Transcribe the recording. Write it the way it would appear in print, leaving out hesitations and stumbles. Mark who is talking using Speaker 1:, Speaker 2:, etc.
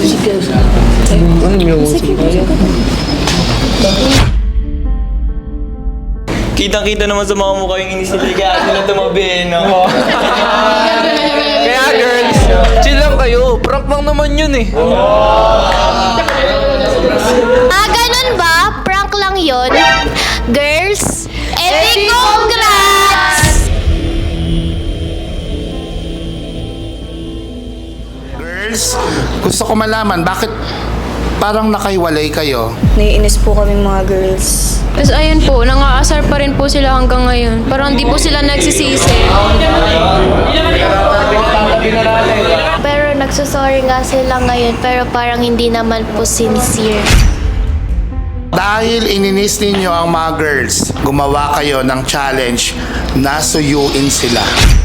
Speaker 1: Ano yung
Speaker 2: Kitang-kita naman sa mga mukha yung inisili kaya sila tumabi, no?
Speaker 1: Kaya girls, chill lang kayo. Prank lang naman yun eh.
Speaker 3: Ganun ba? Prank lang yon. Girls, epic congrats!
Speaker 4: Girls, gusto ko malaman bakit parang nakahiwalay kayo.
Speaker 5: Naiinis po kami mga girls.
Speaker 6: Tapos ayun po, nangaasar pa rin po sila hanggang ngayon. Parang hindi po sila nagsisisi.
Speaker 3: Pero nagsusorry nga sila ngayon, pero parang hindi naman po sincere.
Speaker 4: Dahil ininis ninyo ang mga girls, gumawa kayo ng challenge na suyuin sila.